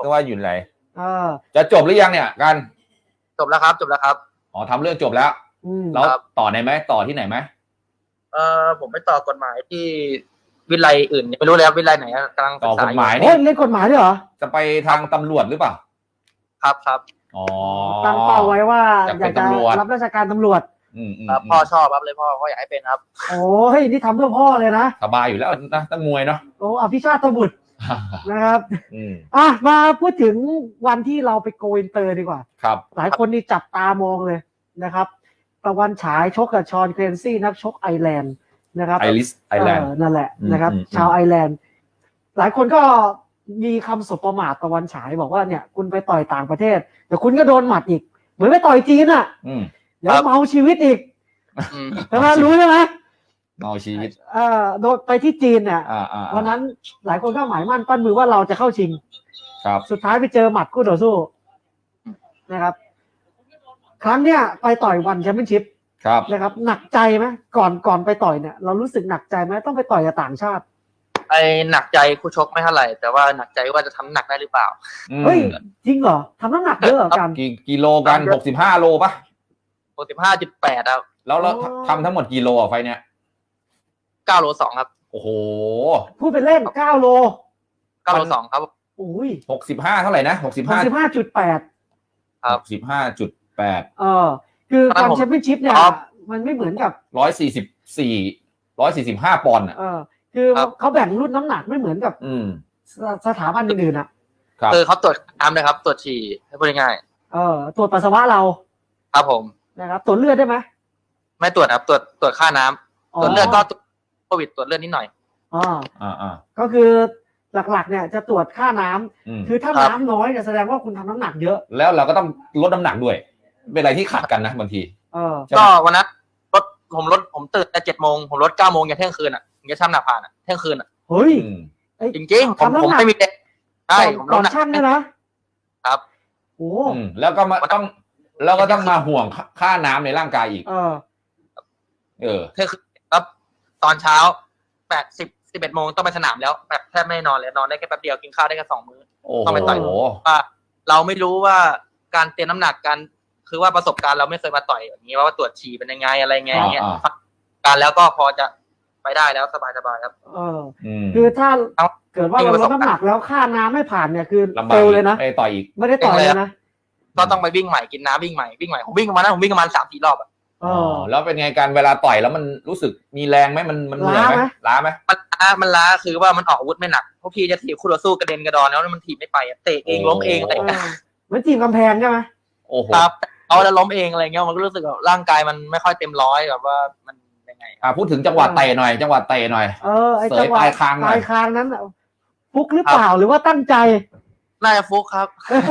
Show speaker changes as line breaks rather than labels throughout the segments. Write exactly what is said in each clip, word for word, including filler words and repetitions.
ก็ว่าอยู่ไหน
จะ
จบหรือยังเนี่ยกัน
จบแล้วครับจบแล้วครับ
อ๋อทำเรื่องจบแล้วแล้วต่อไหนไหมต่อที่ไหนไหม
เออผมไปต่อกฎหมายที่วิไลอื่นไม่รู้แล้ววิไลไหนกำลัง
ต่อกฎหมาย
นี่เล่นกฎหมายด้วยเหรอ
จะไปทางตำรวจหรือเปล่า
ครับครับ
อ๋อ
ตั้งเป้าไว้ว่าอยากจะรับราชการตำรวจ
ครับพ่อชอบครับเลยพ่อพ่ออยากให้เป็นครับ
โอ้ยนี่ทำเพื่อพ่อเลยนะ
สบายอยู่แล้วนะตั้งมวยเนาะ
โอ้อภิชาติบุตรนะครับอ่ะมาพูดถึงวันที่เราไปโกอินเตอร์ดีกว่า
ครับ
หลายคนนี่จับตามองเลยนะครับตะวันฉายชกกับชอนเครนซี่นักชกไอร์แลนด์นะครับ
ไอริสไอร์แลนด์
นั่นแหละนะครับชาวไอร์แลนด์หลายคนก็มีคำสบประมาทตะวันฉายบอกว่าเนี่ยคุณไปต่อยต่างประเทศเดี๋ยวคุณก็โดนหมัดอีกเหมือนไปต่อยจีนอ่ะเดี๋ยวเมาชีวิตอีกใช่ไหมรู้ใช่ไหม
เมาชีวิต
เอ่อโดนไปที่จีนเนี่ยวันนั้นหลายคนก็หมายมั่นปั้นมือว่าเราจะเข้าชิง
ครับ
สุดท้ายไปเจอหมัดคู่ต่อสู้นะครับครั้งเนี้ยไปต่อยวันแชมเปี้ยนชิพนะครับหนักใจไหมก่อนก่อนไปต่อยเนี่ยเรารู้สึกหนักใจไหมต้องไปต่อยกับต่างชาติ
ไอหนักใจคู่ชกไม่เท่าไหร่แต่ว่าหนักใจว่าจะทำหนักได้หรือเปล่า
เฮ้ยจริงเหรอทำน้ำหนักเยอะกัน
กี่กิโลกันหกสิบห้าโลป่ะ
หกสิบห้าจุดแปดครับ
แล้วเราทำทั้งหมดกี่โลอ่ะไฟเนี้ย
เก้าโลสองครับ
โอ้โห
พูดไปเล่นเก้าโล
เก้าโลสองครับ
อุ้ย
หกสิบห้าเท่าไหร่นะหกสิบห้า
หกสิบห้าจุดแปด
ครับ
สิบห้าจุดแปด
เออคือการแชมเปี้ยนชิพเนี่ยมันไม่เหมือนกับ
ร้อยสี่สิบสี่ร้อยสี่สิบห้าปอนด์อ่ะ
เออคือเขาแบ่งรุ่นน้ำหนักไม่เหมือนกับสถาบันอื่นๆอ่ะ
คือเขาตรวจน้ำเลยครับตรวจฉี่ให้พูดง่าย
ๆเออตรวจปัสสาวะเรา
ครับผม
นะครับตรวจเลือดได้ไหม
ไม่ตรวจครับตรวจตรวจค่าน้ำตรวจเลือดก็โควิดตรวจเลือดนิดหน่อย
อ๋ออ่าก็คือหลักๆเนี่ยจะตรวจค่าน้ำคือถ้าน้ำน้อยเนี่ยแสดงว่าคุณทำน้ำหนักเยอะ
แล้วเราก็ต้องลดน้ำหนักด้วยเป็นอะไรที่ขัดกันนะบางที
ก็วันนั้นลดผมลดผมตื่นแต่เจ็ดโมงผมลดเก้าโมงยันเที่ยงคืนอ่ะยันช่ำหนักผ่านอ่ะเที่ยงคืนอ่ะ
เฮ้ย
จริงๆผมผมไม่มีเด็กใช่ผมลด
ช่างเนี่ยนะครับ
โอ้แล้วก็มาต้องแล้วก็ต้องมาห่วงค่าน้ำในร่างกายอีก
เออ
เออ
เที่ยงคืนครับตอนเช้าแปดสิบสิบเอ็ดโมงต้องไปสนามแล้วแบบแทบไม่นอนเลยนอนได้แค่แป๊บเดียวกินข้าวได้แค่สองมื้อต้องไปต่อยว่าเราไม่รู้ว่าการเตรียมน้ำหนักการคือว่าประสบการณ์เราไม่เคยมาต่อยอย่างนี้ว่าตรวจฉี่เป็นยังไงอะไรไงเงี้ยการแล้วก็พอจะไปได้แล้วสบายสบายครับ
เออคือถ้าเกิดว่าเราลดน้ำหนักแล้วค่าน้ำไม่ผ่านเนี่ยคือเฟลเลยนะ
ไม่ต่อยอีก
ไม่ได้ต่อยเลยนะ
ก็ต้องไปวิ่งใหม่กินน้ำวิ่งใหม่วิ่งใหม่ผมวิ่งประมาณนั้นผมวิ่งประมาณสามสี่รอบอ่ะ
อ๋อแล้วเป็นไงการเวลาต่อยแล้วมันรู้สึกมีแรงไหมมันมันเหนื่อยไหมล้าไหม
มันล้ามันล้าคือว่ามันออกอาวุธไม่หนักเพราะพี่จะถีบคู่ต่อสู้กระเด็นกระดอนแล้วมันถีบไม่ไปเตะเองล้มเองอะไร
เหมือนถีบกำแพงใช่ไหม
โอ้โห
ครับเอาแล้วล้มเองอะไรเงี้ยมันก็รู้สึกว่าร่างกายมันไม่ค่อยเต็มร้อยแบบว่ามันยังไง
อ่าพูดถึงจังหวะเตะหน่อยจังหวะเตะหน่อย
เออไอ้จังหวะปลายคางปลายคางนั้นฟุกหรือเปล่าหรือว่าตั้งใจ
น่าจะฟุกครับ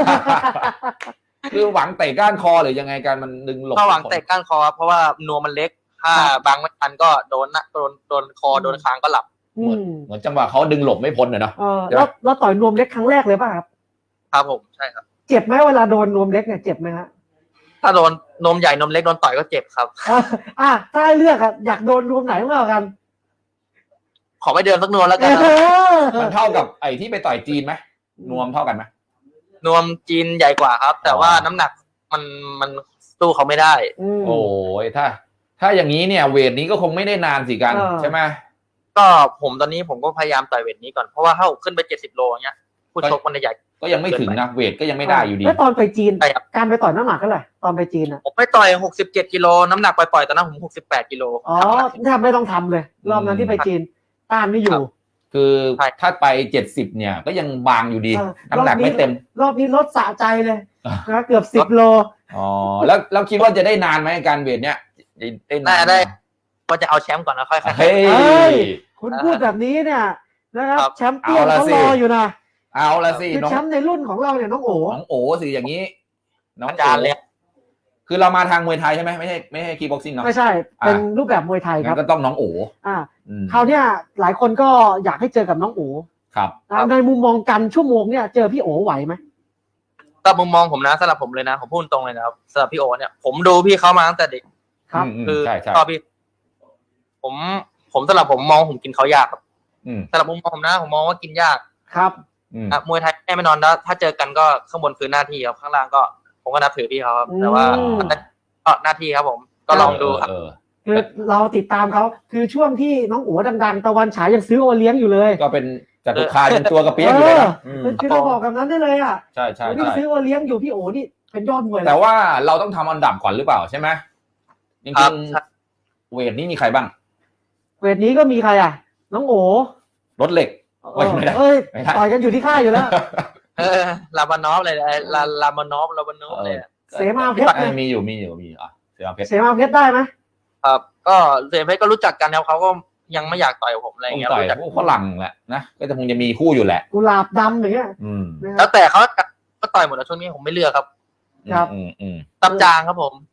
คือหวังเตะก้านคอหรือยังไงการมันดึงหลบ
ถ้าหวังเตะก้านคอเพราะว่านัวมันเล็กถ้าบางไม่ทันก็โดนนะโดนโดนคอโดนคางก็หลับ
เหมือนเหมือนจังหวะเขาดึงหลบไม่พ้นเลยเนาะ
แล้วแล้วต่อยนวมเล็กครั้งแรกเลยป่ะครับ
ครับผมใช่ครับ
เจ็บไหมเวลาโดนนวมเล็กเนี่ยเจ็บไหมฮะ
ถ้าโดนนมใหญ่นมเล็กโดนต่อยก็เจ็บครับ
อ่ะถ้าให้เลือกอะอยากโดนนวมไหนมากกว่ากัน
ขอไปเดินสักนวมแล้วกัน
มันเท่ากับไอ้ที่ไปต่อยจีนไหมนวมเท่ากันไหม
นวมจีนใหญ่กว่าครับแต่ว่าน้ำหนักมันมันสู้เขาไม่ได้
โอ้ยถ้าถ้าอย่างนี้เนี่ยเวทนี้ก็คงไม่ได้นานสิกันใช่ไหม
ก็ผมตอนนี้ผมก็พยายามต่อยเวทนี้ก่อนเพราะว่าถ้าขึ้นไปเจ็ดสิบโลอย่างเงี้ยผู้ชกมันใหญ่
ก็ยังไม่ถึงนะเวทก็ยังไม่ได้อยู่ดี
แล้วตอนไปจีนการไปต่อยน้ำหนักเท่าไหร่ตอนไปจีนอ่ะ
ผมไปต่อยหกสิบเจ็ดกิโลน้ำหนักปล่อยๆตอนนั้นผมหกสิบแปดกิโล
อ๋อแทบไม่ต้องทำเลยรอบนั้นที่ไปจีนต้านไม่อยู่
คือถ้าไปเจ็ดสิบเนี่ยก็ยังบางอยู่ดีน้ำหนักไม่เต็ม
รอบนี้ลดสะใจเลยนะเกือบสิบโล
อ๋อแล้วเราคิดว่าจะได้นานไหมการเวทเนี้ย
ได้นานได้ก็จะเอาแชมป์ก่อนนะค่อย
ๆเฮ้ย
คุณพูดแบบนี้เนี่ยนะครับแชมป์เปี้ยนเขารออยู่นะ
เอาละสิ
คือแชมป์ในรุ่นของเราเนี่ยน้องโอ๋
น้องโอ๋สิอย่างนี้
น้องอาจารย์เลย
คือเรามาทางมวยไทยใช่ไหมไม่ใช่ไม่ใช่คีบ็อกซิ่งเนาะ
ไม่ใช่เป็นรูปแบบมวยไทยครับ
ก็ต้องน้องโอ๋
อ่าคราวเนี้ยหลายคนก็อยากให้เจอกับน้องโอ๋
ครับ
ในมุมมองกันชั่วโมงเนี่ยเจอพี่โอ๋ไหวไหม
ตามมุมมองผมนะสำหรับผมเลยนะผมพูดตรงเลยนะครับสำหรับพี่โอ๋เนี่ยผมดูพี่เขามาตั้งแต่เด็ก
ครับ
คือชอบพี่ผมผมสำหรับผมมองผมกินเขายากครับสำหรับมุมมองผมนะผมมองว่ากินยาก
ครับ
อ่ะมวยไทยแน่ไม่นอนแล้วถ้าเจอกันก็ข้างบนคือหน้าที่ครับข้างล่างก็ผมก็นับถือพี่เขาครับแต่ว่าก็หน้าที่ครับผมก็ลองดูครับ
คือเราติดตามเขาคือช่วงที่น้องอั๋วดังๆตะวันฉายยังซื้อโอเลี้ยงอยู่เลย
ก็เป็นจตุคามเป็นตัวกระเปี๊ยกอยู่เลยนะ
คือเราบอกแบบนั้นได้เลยอ่ะ
ใช่ใช่
ที่ซื้อโอเลี้ยงอยู่พี่โอ๋นี่เป็นยอดมวย
แต่ว่าเราต้องทำอันดับก่อนหรือเปล่าใช่ไหมจริงๆเวทนี้มีใครบ้าง
เวทนี้ก็มีใครอ่ะน้องโอ๋
รถเหล็ก
เอ้ยต่อยกันอยู่ที่ค่ายอยู่แล้ว
เออลาบานอฟเลยลาลาบานอฟลาบานอฟเลย
เสมาเพชร
มีอยู่มีอยู่มีอ่ะเสมาเพชร
เสมาเพชรได้ไหม
ครับก็เสมาเพชรก็รู้จักกันแล้วเขาก็ยังไม่อยากต่อยผมอะไรเงี้ย
รู้จักพวกฝรั่งแหละนะก็จะคงจะมีคู่อยู่แหละ
กุหลาบดำอย่างเงี้ย
แล้วแต่เขาก็ต่อยหมดแล้วช่วงนี้ผมไม่เลือกครับ
ครับ
ตับจางครับผม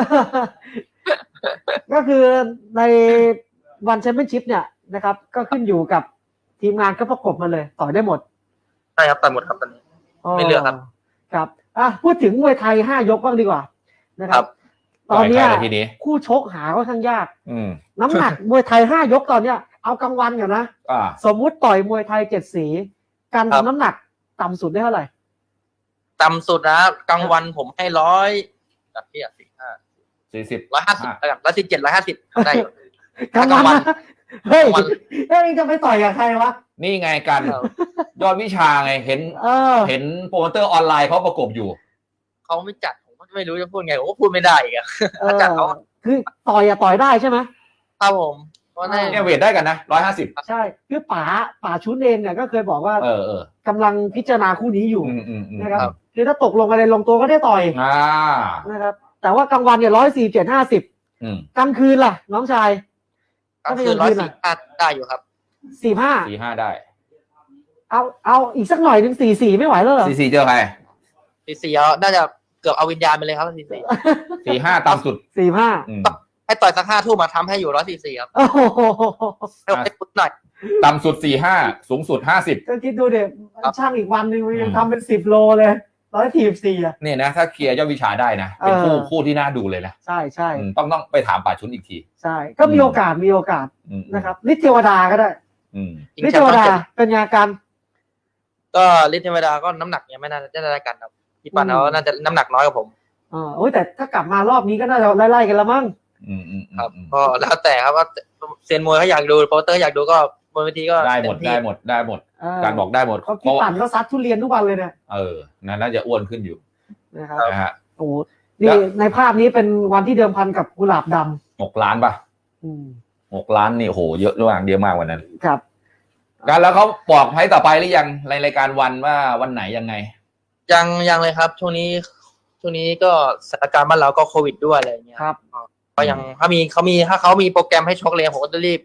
ก็คือในวันแชมเปี้ยนชิพเนี่ยนะครับก็ขึ้นอยู่กับทีมงานก็ประกบมาเลยต่อยได้หมด
ใช่ครับต่อยหมดครับตอนนี้ไม่เลือกครับ
ครับอ่ะพูดถึงมวยไทยห้ายกบ้างดีกว่านะครับตอนนี้คู่ชกหาค่อนข้างยากน้ำหนักมวยไทยห้ายกตอนเนี้ยเอากลางวันก่อนนะสมมุติต่อยมวยไทยเจ็ดสีการทำน้ำหนักต่ำสุดได้เท่าไหร่
ต่ำสุดนะกลางวันผมให้ร้อยจับเทียบสี่ห้า
สี่สิบ
ร้อยห้าสิบแล้วกันร้อยสิบเจ็ดร้อยห้าสิบได้
กลางวันเฮ้ยเฮ้ยจะไปต่อยกับใครวะ
นี่ไงกันยอดวิชาไงเห็นเห็นโปรโมเตอร์ออนไลน์เขาประกบอยู่
เขาไม่จัดผมก็ไม่รู้จะพูดไงผมก็พูดไม่ได้อีกอะถ้าจัดเขา
คือต่อยอะต่อยได้ใช่ไหม
ครับผมเพราะ
เนี่ยเวทได้กันนะร้อยห้าสิบ
ใช่คือป๋าป๋าชุนเองเนี่ยก็เคยบอกว่า
เออเออก
ำลังพิจารณาคู่นี้อยู่นะครับ
คื
อถ้าตกลงอะไรลงตัวก็ได้ต่อยนะครับแต่ว่ากลางวันเนี่ยร้อยสี่เจ็ดห้าสิบกลางคืนล่ะน้องชาย
กลางคืนร้อยสี่ห้าได้อยู่ครับ
สี่ห้า
สี่ห้าได้
เอาเอาอีกสักหน่อยหนึ่งสี่สี่ไม่ไหวแล้วเหรอ
สี่สี่เจอใคร
สี่สี่น่าจะเกือบเอาวิญญาณไปเลยครับสี่สี่
สี่ห้าต่ำสุด
สี่ห้า
ให้ต่อยสักห้าทุ่มมาทำให้อยู่ร้อยสี่สี่ครับ
โอ้โห
ให้พุทหน่อย
ต่ำสุดสี่ห้าสูงสุดห้าสิบ
ก็คิดดูเด็กช่างอีกวันหนึ่งยังทำเป็นสิบโลเลยร้อยสี่สี่อ่ะ
เนี่ยนะถ้าเคลียร์ยอดวิชาได้นะเป็นคู่คู่ที่น่าดูเลยนะ
ใช่ใช่
ต้องต้องไปถามป่าชุนอีกที
ใช่ก็มีโอกาสมีโอกาสนะครับฤทธิ์เทวดาก็ได้ฤทธิ์เทวดาเป็นยากัน
ก็ฤทธิ์เทวดาก็น้ำหนักยังไม่น่าจะได้กันครับพี่ปันเขาน่าจะน้ำหนักน้อยกว่าผม
อ๋อโอ้ยแต่ถ้ากลับมารอบนี้ก็น่าจะไล่ๆกันละมั้ง
ครับก็แล้วแต่ครับว่าเซียนมวยเขาอยากดูโปรเตอร์อยากดูก็บนเวทีก็
ได้หมดได้หมดได้หมดการบอกได้หมด
เขาพี่ปั่นเขาซัดทุเรียนทุกวันเลยเนี่ย
เออน่าจะอ้วนขึ้นอยู่
นะครับนะฮะโอ้นี่ในภาพนี้เป็นวันที่เดิมพันกับกุหลาบด
ำหกล้านป่ะหกล้านนี่โหเยอะด้วยเยอะมากวันนั้น
ครับ
การแล้วเขาบอกให้ต่อไปหรือยังในรายการวันว่าวันไหนยังไง
ยังยังเลยครับช่วงนี้ช่วงนี้ก็สถานการณ์บ้านเราก็โควิดด้วยอะไรอย่างเงี้ย
ครับ
ก็ยังถ้ามีเขามีถ้าเขามีโปรแกรมให้ชกเลยผมก็จะรีบ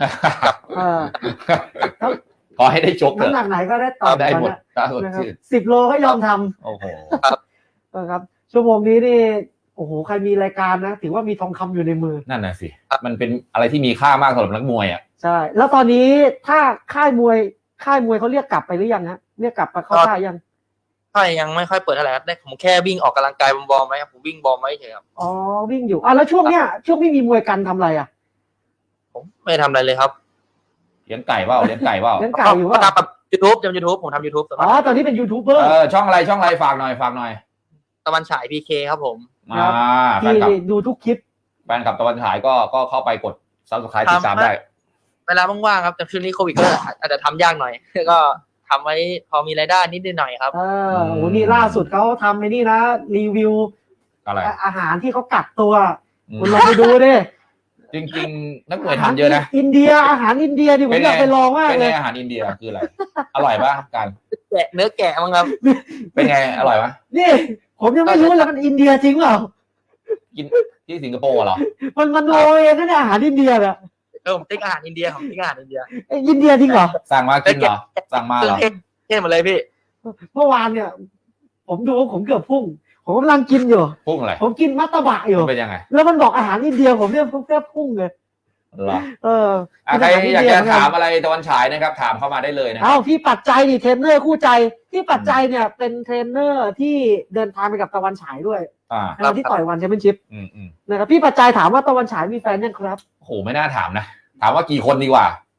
ขอให้ได้ชก
น้ำหนักไหนก็ได้ต่อ
ได้หมด
สิบโลก็ยอมท
ำโอ้โห
ครับชั่วโมงนี้นี่โอ้โหใครมีรายการนะถือว่ามีทองคำอยู่ในมือ
นั่นน่ะสิมันเป็นอะไรที่มีค่ามากสำหรับนักมวยอ่ะ
ใช่แล้วตอนนี้ถ้าค่ายมวยค่ายมวยเขาเรียกกลับไปหรือยังฮะเรียกกลับมาเข้าค่ายยัง
ค่ายยังไม่ค่อยเปิดเท่าไหร่ครับได้ผมแค่วิ่งออกกำลังกายบอลไหมครับผมวิ่งบอลไหมเฉยครับ
อ๋อวิ่งอยู่อ่ะแล้วช่วงเนี้ยช่วงไม่มีมวยกันทำอะไรอ่ะ
ผมไม่ทำอะไรเลยครับ
เลี้ยงไก่เปล่าเลี้ยงไก่เปล่า
เลี้ยงไก่อยู่ว่า
ทำยูทูบทำยูทูบผมทำยูทูบ
อ๋อตอนนี้เป็นยูทูบเบอร์
เออช่องอะไรช่องอะไรฝากหน่อยฝากหน่อย
ตะวันฉายพีเคครับผม
มา
ที่ดูทุกคลิป
แฟนคลับตะวันฉายก็ก็เข้าไปกด ซับสไครบ์ติดตามได้
เวลาว่างๆครับแต่ช่วงนี้โควิดก็อาจจะทำยากหน่อยก็ทำไว้พอมีรายได้นิดหน่อยครับ
เออโหนี่ล่าสุดเขาทำในนี่นะรีวิว
อะไร
อาหารที่เขากักตัวคุณลองไปดูดิ
จริงๆนักมวยทำเยอะนะ
อินเดียอาหารอินเดียดิผมอยากไปลองมากเลย
อาหารอินเดียคืออะไรอร่อยป่ะกัน
แกะเนื้อแกะมั้งครับ
เป็นไงอร่อยป่ะ
นี่ผมยังไม่รู้เลยมันอินเดียจริงเปล่า
กินที่สิงคโปร์เหรอ
มันมันโรยนั่นอาหารอินเดียแบบ
เออผมติ๊กอาหารอินเดียผมติ๊กอาหารอินเดีย
อินเดียจริงเหรอ
สั่งมากินเหรอสั่งมาเหรอ
เท่หมดเลยพี่
เมื่อวานเนี่ยผมดูผมเกือบพุ่งผมกำลังกินอยู่
พุ่งอะไร
ผมกินมัตตบะอยู่
เป็นยังไง
แล้วมันบอกอาหารอินเดียผมเนี่ยแค่พุ่งเลย
เหรอ
เออ
ใครอยากจะถามอะไรตะวันฉายนะครับถามเข้ามาได้เลยนะ
เอ้าพี่ปัจจัยดิเทรนเนอร์คู่ใจพี่ปัจจัยเนี่ยเป็นเทรนเนอร์ที่เดินทางไปกับตะวันฉายด้วย
อ่
าที่ต่อยวันแชมเปี้ยนชิพนะครับพี่ปัจจัยถามว่าตะวันฉายมีแฟนยังครับ
โหไม่น่าถามนะถามว่ากี่คนดีกว่า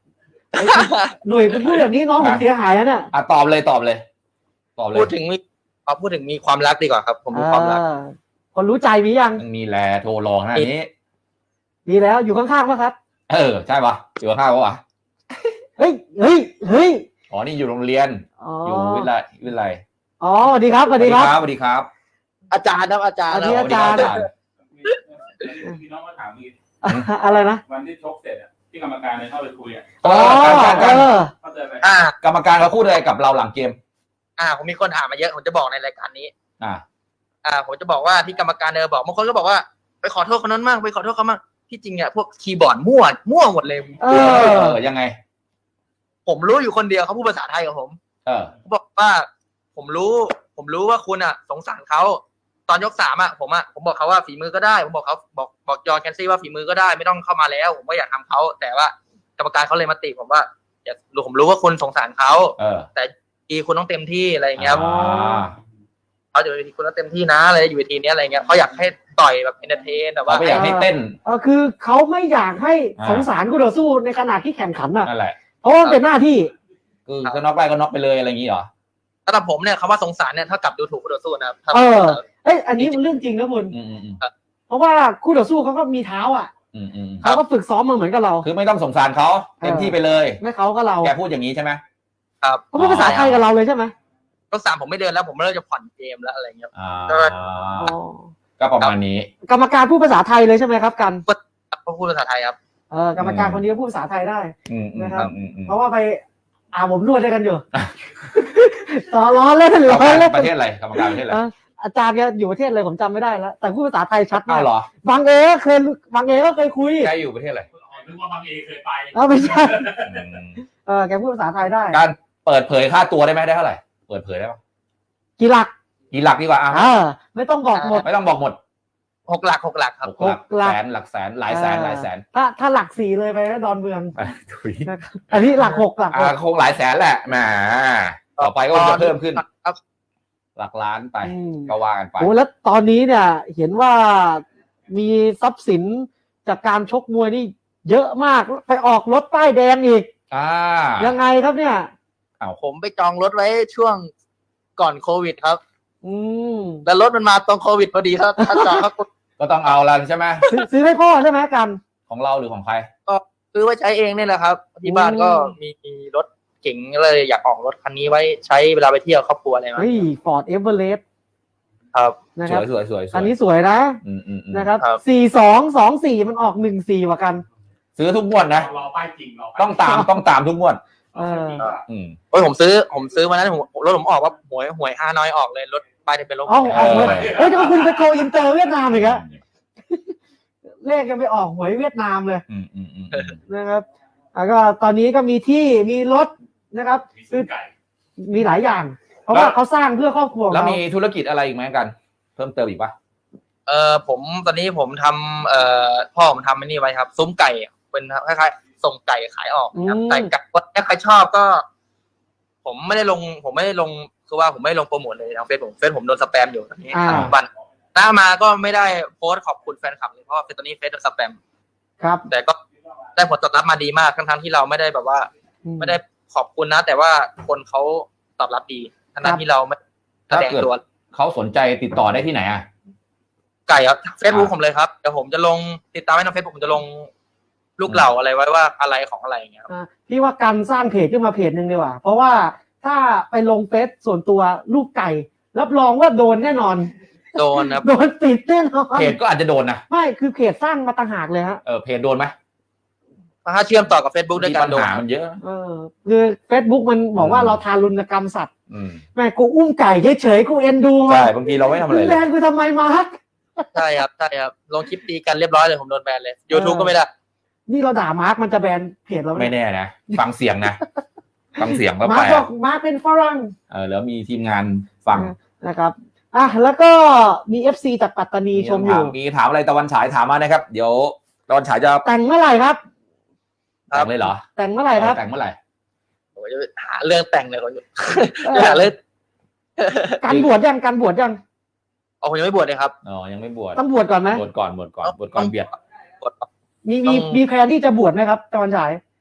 หนุ่ยคุณพูดแบบนี้น้องผมเสียหายนะเนี่ย
อ่ะตอบเลยตอบเลยตอบเลย
พูดถึงมีเอาพูดถึงมีความรักดีกว่าครับ ผมมีความรัก
เออคนรู้ใจมียัง
มีแลโทรรองขนาดนี้
มีแล้วอยู่ข้างๆป่ะครับ
เออใช่ปะอยู่ข้างปะวะ
เฮ้ยเฮ้ยเฮ้ย
อ๋อนี่อยู่โรงเรียน
อ๋อ
อยู่วิทยาลัยวิทยาลัย
อ๋อสวัสดีครับสวัสดีครับ
สวัสดีครับ
อาจารย์ครับอาจารย์
อัน
ค
นี้
รับ
อาจารย์
สวัสดีคบ
มีน้องมาถามมี
อะไรนะ
วันที่ชกเสร็จอะที่กรรมการเลยเข้าไปคุยอะ
อ๋อ
การ
เอ
การ
อ
เข้าใจไหม
อ่า
กรรมการเขาพูดอะไรกับเราหลังเกม
อ่า ผมมีคนถามมาเยอะผมจะบอกในรายการนี้
อ่า
อ่า ผมจะบอกว่าที่กรรมการเดินบอกบางคนก็บอกว่าไปขอโทษคนนั้นมากไปขอโทษเขามากที่จริงเนี่ยพวกคีย์บอร์ดมั่วมั่วหมดเลย
เอ
เอ
อ
อยังไง
ผมรู้อยู่คนเดียวเขาพูดภาษาไทยกับผม
เออ
เขาบอกว่า ผมรู้ ผมรู้ว่าคุณอ่ะ สงสารเขาตอนยกสามอ่ะผมอ่ะผมบอกเขาว่าฝีมือก็ได้ผมบอกเขาบอกบอกจอห์นแคนซี่ว่าฝีมือก็ได้ไม่ต้องเข้ามาแล้ว ผมก็อยากทำเขาแต่ว่ากรรมการเขาเลยมาติผมว่าอย่าผมรู้ว่าคุณสงสารเขา
เออ
แต่ทีคุณต้องเต็มที่อะไรอย่างเงี้ย
อ่า
เขาอยู่ในทีคุณต้องเต็มที่นะอะไรอยู่ในทีนี้อะไรเงี้ยเขาอยากให้ต่อยแบบเอนเตอร์เทนแต่ว่า
เขาไม่อยากให้เต้น
เออคือเขาไม่อยากให้
อ่า
สงสารคู่ต่อสู้ในขณะที่แข่งขันอ่ะ
นั่นแหละ
เพราะว่ามันเป็นหน้าที่
คือก็น็อกได้ก็น็อกไปเลยอะไรอย่างงี้เหรอ
สำหรับผมเนี่ยคำว่าสงสารเนี่ยเท่ากับดูถูกคู่ต่อสู้นะครับ
เออ เอ้ยอันนี้มันเรื่องจริงนะคุณ
อืมอืมอืม
เพราะว่าคู่ต่อสู้เขาก็มีเท้าอ่ะ
อืมอืม
เขาก็ฝึกซ้อมมาเหมือนกับเรา
คือไม่ต้องสงสารเขาเต็มที่ไปเลย
ไม่เขาก็เรา
แกพูดอย่างนี้ใช่ไหม
ครับ
เขาพูดภาษาไทยกับเราเลยใช่ไหม
ยกสามผมไม่เดินแล้วผมเริ่มจะผ่อนเกมแล้วอะไรเงี้ย
อ่า
ใช่ไหม
อ๋อ
ก็ประมาณนี้
กรรมการพูดภาษาไทยเลยใช่ไหมครับกัน
เขาพูดภาษาไทยครับ
เออกรรมการคนนี้ก็พูดภาษาไทยได้
อืมอืม
นะครับ
อืมอืม
เพราะว่าไปอาบผมนวดด้วยกันอยู่ ต่อล้อเล่นหรื
กร
อ
รมการ
เล่น
ประเทศอะไรกรรมการประเทศอะไร
เอออาจารย์แกอยู่ประเทศอะไรผมจำไม่ได้แล้ว แต่พูดภาษาไทยชัดมา
อ้าว
ก
เหรอบ
างเอเคยบางเอก็เคยคุย
แกอยู่ประเทศอะไร
อ๋อนึกว่าบางเอเคยไป
เออไม่ใช่
อืม
เออแกพูดภาษาไทยได้
การเปิดเผยค่าตัวได้ไหมได้เท่าไหร่เปิดเผยได้ปะ
กี่หลัก
กี่หลักดีกว่าอ่ะ
เออไม่ต้องบอกหมด
ไม่ต้องบอกหมด
หกหลักหกหลักครับ
หกหลัก
หกหลัก
แสนหลักแสนหลายแสนหลายแสน
ถ้าถ้าหลักสี่เลยไปนะดอนเมือง
ถุย
นะครับอันนี้หลักหกหลักห
อ่าก คงหลายแสนแหละแหมต่อไปก็คงจะเพิ่มขึ้น
ครับ
หลักล้านไป
อืม
ก็ว่ากันไป
โอ้แล้วตอนนี้เนี่ย เห็นว่ามีทรัพย์สินจากการชกมวยนี่ เยอะมากไปออกรถป้ายแดงอีก
อ่า
ยังไงครับเนี่ย
ผมไปจองรถไว้ช่วงก่อนโควิดครับ
อืม
แล้วรถมันมาตรงโควิดพอดีถ้าถ้าจองครับ
ก็ต้องเอาละใช่ไหม
ซื้อซื้อให้พ่อใช่ไหมกัน
ของเราหรือของใคร
ซื้อไว้ใช้เองนี่แหละครับ ที่บ้านก็มีรถเก๋งเลยอยากออกรถคันนี้ไว้ใช้เวลาไปเที่ยวครอบครัวอะไรมา
เฮ้ยฟอร์ดเอเวอเรสต์
ครับ
นะ
ส
ครับ
วยสวยสวยสวย
อันนี้สวยนะ
อืมอืมอืม
นะครับ
ครับ
สี่สองสองสี่มันออกหนึ่งสี่ว่ะกัน
ซื้อทุกงวดนะ
รอป้ายจริงรอป้าย
ต้องตามต้องตามทุกงวด
เออ
อืม
โอ้ยผมซื้อผมซื้อมานั้นผมรถผมออกว่าหวยหวยฮานอยออกเลยรถป้ายทะเบียนรถ
เอ้าออกเลย
เออ
เฮ้ยจะมาคุณไปโกอินเตอร์เวียดนามอีกอะเลขยังไปออกหวยเวียดนามเลย
อืมอืมอืมอืม
นะครับแล้วก็ตอนนี้ก็มีที่มีรถนะครับ
มีซื้อไก่
มีหลายอย่าง เพราะว่าเขาสร้างเพื่อครอบครัวของ
แล้ว
เขา
มีธุรกิจอะไรอีกไหมกัน เพิ่มเติมอีกปะ
เออผมตอนนี้ผมทำเอ่อพ่อผมทำไอ้นี่ไว้ครับ ซุ้มไก่เป็นคล้ายๆส่งไก่ขายออกนะครับไก่กัดถ้าใครชอบก็ ผมไม่ได้ลง ผมไม่ได้ลงคือว่าผมไม่ได้ลงโปรโมทเลยทางเฟซผมเฟซผมโดนสแปมอยู่ตอนนี้
อ่า
ปัจจุบันหน้ามาก็ไม่ได้โพสต์ขอบคุณแฟนคลับเลยเพราะว่าตอนนี้เฟซโดนสแปม
ครับ
แต่ก็ได้ผลตอบรับมาดีมากทั้งๆที่เราไม่ได้แบบว่า ไม่ได้ขอบคุณนะ แต่ว่าคนเขาตอบรับดีทั้งๆที่เราไม่แสดงตัว
เขาสนใจติดต่อได้ที่ไหนอ่ะ
ไก่ครับเฟซบุ๊กผมเลยครับเดี๋ยวผมจะลงติดตามไว้ในเฟซบุ๊กผมจะลงลูกเหล่าอะไรไว้ว่าอะไรของอะไรอย่างเงี้ยครับ
อ่าพี่ว่าการสร้างเพจขึ้นมาเพจหนึ่งดีกว่า เพราะว่าถ้าไปลงเฟซส่วนตัวรูปไก่ รับรองว่าโดนแน่นอน
โดนครับ
โดนติดแน่นอน
เพจก็อาจจะโดนนะ
ไม่คือเพจสร้างมาต่างหากเลยฮะ
เออเพจโดนไหม
ถ้าเชื่อมต่อกับ Facebook ด้วย
มี
กั
ปั
น
ญ
โดน
หามันเยอะ
เออคือเฟซบุ๊กมันบอกว่า
อืม
เราทารุณกรรมสัตว์
อืม
แม่กูอุ้มไก่เฉยๆกูเอ็นดู
ใช่บางทีเราไม่ทำอะไร
มึง
เล
แบ
ย
นกูทำไมมาร์ค
ใช่ครับใช่ครับลงคลิปตีกันเรียบร้อยเลยผมโดนแบนเลย YouTube ก็ไม่ได้
นี่เราด่ามาร์คมันจะแบนเพจเรา
ไม่
เนี่ย
แน่นะฟังเสียงนะฟังเสียงก็
มา
แป
ร์
ล
คบอกมาร์คเป็นฝรั่ง
เออแล้วมีทีมงานฟัง
นะครับอ่ะแล้วก็มี เอฟ ซี จากปัตตานีชมอยู่
มีถามอะไรตะวันฉายถามมานะครับ เดี๋ยวตะวันฉายจะ
แต่งเมื่อไหร่ครับ
ครับ
แต่งเลยเหรอ
แต่งเมื่อไหร่ครับ
แต่งเมื่อไหร่
ผมจะหาเรื่องแต่งเลยผม
เอ
จะ
อ
หาเรื่อง
การบวชยังการบวชยัง
อ๋อผมยังไม่บวชเลยครับ
อ๋อยังไม่บวช
ต้องบวชก่อนไหม
บวชก่อนบวชก่อนบวชก่อนเบียด
บวช
มีมี
ต้อง
มีแพลนที่จะบวชไหมครับตอนฉาย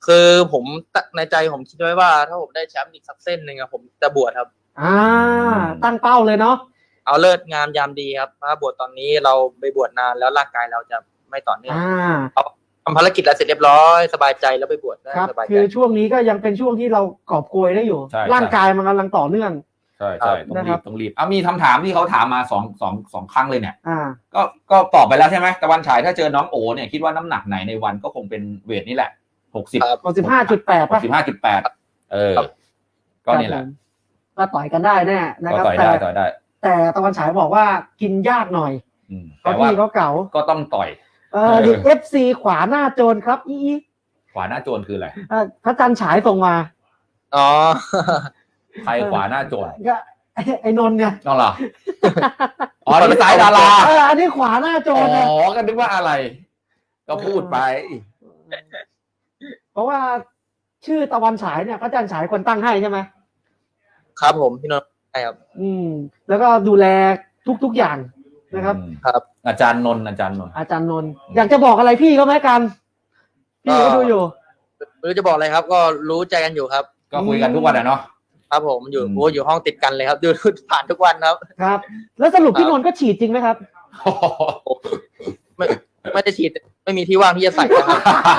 คือผมในใจผมคิดไว้ว่าถ้าผมได้แชมป์อีกสักเส้นหนึ่งอะผมจะบวชครับ
อ่าตั้งเป้าเลยเนาะ
เอาเลิศงามยามดีครับถ้าบวชตอนนี้เราไปบวชนานแล้วร่างกายเราจะไม่ต่อเนื่องเอาทำภารกิจแล้วเสร็จเรียบร้อยสบายใจแล้วไปบวชได้สบายใจ
คือช่วงนี้ก็ยังเป็นช่วงที่เรากอบโกยได้อยู่ร่างกายมันกำลังต่อเนื่อง
ใช่ใช่ต้องรีบต้องรีบอ่ะมีคำถามที่เขาถามมาสองสองสองครั้งเลยเนี่ย
อ่า
ก็ก็ตอบไปแล้วใช่ไหมตะวันฉายถ้าเจอน้องโอเนี่ยคิดว่าน้ำหนักไหนในวันก็คงเป็นเวทนี่แหละหกสิบ
หกสิบห้าจุดแปด
หกสิบห้าจุดแปดเออก็นี่แหละ
ก็ต่อยกันได้แน่นะครับ
ต่อยได้ต่อยได้
แต่ตะวันฉายบอกว่ากินยากหน่อยเพราะพี่เขาเก่า
ก็ต้องต่อย
เออดิเอฟซีขวาหน้าโจรครับอี
ขวาหน้าโจรคืออะไร
พระจันทร์ฉายส่งมา
อ๋อ
ใครขวาหน้าโจร
ก็ไอ้นนท์เนี่ย
น้องเหรออ๋อนี่สายดารา
เอออันนี้ขวาหน้าโจร
อ๋อก็นึกว่าอะไรก็พูดไป
เพราะว่าชื่อตะวันฉายเนี่ยพระจันทร์ฉายคนตั้งให้ใช่ไหม
ครับผมพี่นนท์ใช่ครับ
อืมแล้วก็ดูแลทุกๆอย่างนะครับ
ครับ
อาจารย์นนท์อาจารย์นนท์
อาจารย์นนท์อยากจะบอกอะไรพี่เขาไหมกันพี่ก็ดูอยู่
ไม่รู้จะบอกอะไรครับก็รู้ใจกันอยู่ครับ
ก็คุยกันทุกวันอะเนาะ
ครับผมอยู่โอ้อยู่ห้องติดกันเลยครับดูผ่านทุกวันครับ
ครับแล้วสรุปพี่นนท์ก็ฉีดจริงไหมครับ
ไม่ไม่ได้ฉีดไม่มีที่ว่างที่จะใส่ครับ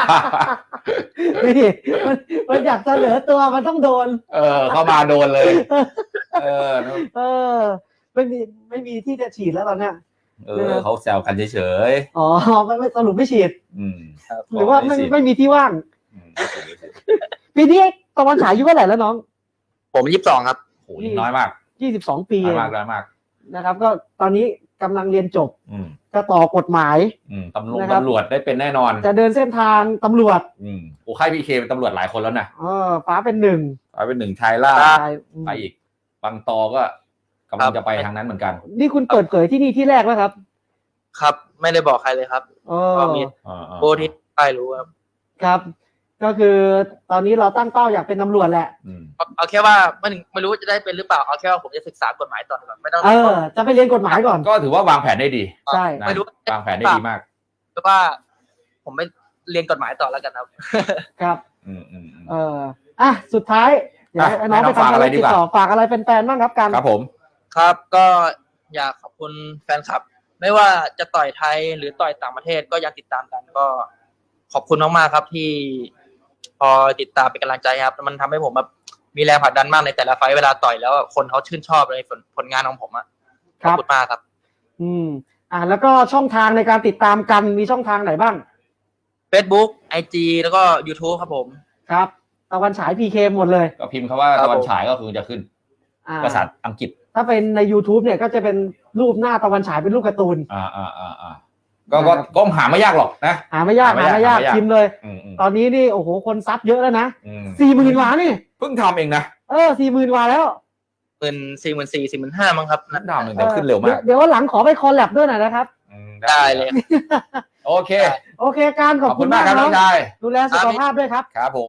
นี่มันมันอยากเสนอตัวมันต้องโดน
เออเข้ามาโดนเลยเออ
เออไม่มีไม่มีที่จะฉีดแล้วตอนเนี้ย
เออเขาแซวกันเฉย
ๆอ๋อไม่ไม่สรุปไม่ฉีด
อืม
หรือว่าไม่ไม่มีที่ว่างปีนี้ตะวันฉายอายุเท่าไหร่แล้วน้อง
ผมยี่สิบสองครับ
โหน้อยมาก
ยี่สิบสองปี
น้อยมากน้อยมาก
นะครับก็ตอนนี้กำลังเรียนจบจะต่อกฎหมาย
ตำรวจตำรวจได้เป็นแน่นอน
จะเดินเส้นทางตำรวจ
โอ้ค่ายพีเคเป็นตำรวจหลายคนแล้วนะ
เออฟ้าเป็นหนึ่ง
ฟ้าเป็นหนึ่งชายล่าไปอีกบางตอก็กำลังจะไปทางนั้นเหมือนกัน
นี่คุณเปิดเผยที่นี่ที่แรกไหมครับ
ครับไม่ได้บอกใครเลยครับก็มีโบที่ใครรู้ครับ
ครับก็คือตอนนี้เราตั้งเป้าอยากเป็นตำรวจแหละ
เอาแค่ว่าไม่ไม่รู้จะได้เป็นหรือเปล่าเอาแค่ว่าผมจะศึกษากฎหมายต่อก่อนไม่ต้อง
เออจะไปเรียนกฎหมายก่อน
ก็ถือว่าวางแผนได้ดี
ใช่
ไม่รู้
วางแผนได้ดีมาก
เพราะว่าผมไม่เรียนกฎหมายต่อแล้วกันครับ
ครับ
อืมอืม
เอออ่ะสุดท้ายเดี๋ยวน้องไปทำอะไรต่อฝากอะไรเป็นแฟนบ้างครับกัน
ครับผม
ครับก็อยากขอบคุณแฟนคลับไม่ว่าจะต่อยไทยหรือต่อยต่างประเทศก็ยังติดตามกันก็ขอบคุณมากๆครับที่พอติดตามเป็นกำลังใจครับมันทำให้ผมแบบมีแรงผลักดันมากในแต่ละไฟเวลาต่อยแล้วคนเขาชื่นชอบในผลงานของผมอ่ะขอบคุณมากครับ
อืมอ่าแล้วก็ช่องทางในการติดตามกันมีช่องทางไหนบ้าง
Facebook ไอ จี แล้วก็ YouTube ครับผม
ครับตะวันฉาย พี เค หมดเลย
ก็พิมพ์คำว่าตะวันฉายก็คือจะขึ้นภาษาอังกฤษ
ถ้าเป็นใน YouTube เนี่ยก็จะเป็นรูปหน้าตะวันฉายเป็นรูปการ์ตูน
อ่าอ่าอ่าอ่าก็ก็ก็หาไม่ยากหรอกนะ
หาไม่ยากหาไม่ยากพิมพ์เลยตอนนี้นี่โอ้โหคนซับเยอะแล้วนะสี่หมื่นกว่านี่
เพิ่งทำเองนะ
เออสี่หมื่นกว่าแล้ว
เป็นสี่หมื่นสี่สี่หมื่นห้ามั้งครับ
นัดดาวหนึ่งเดี๋ยวขึ้นเร็วมาก
เดี๋ยววันหลังขอไปคอลแลบด้วยหน่อยนะครับ
ได้เลย
โอเค
โอเคการขอบคุณมากครับดูแลสุขภาพด้วยครับ
ครับผม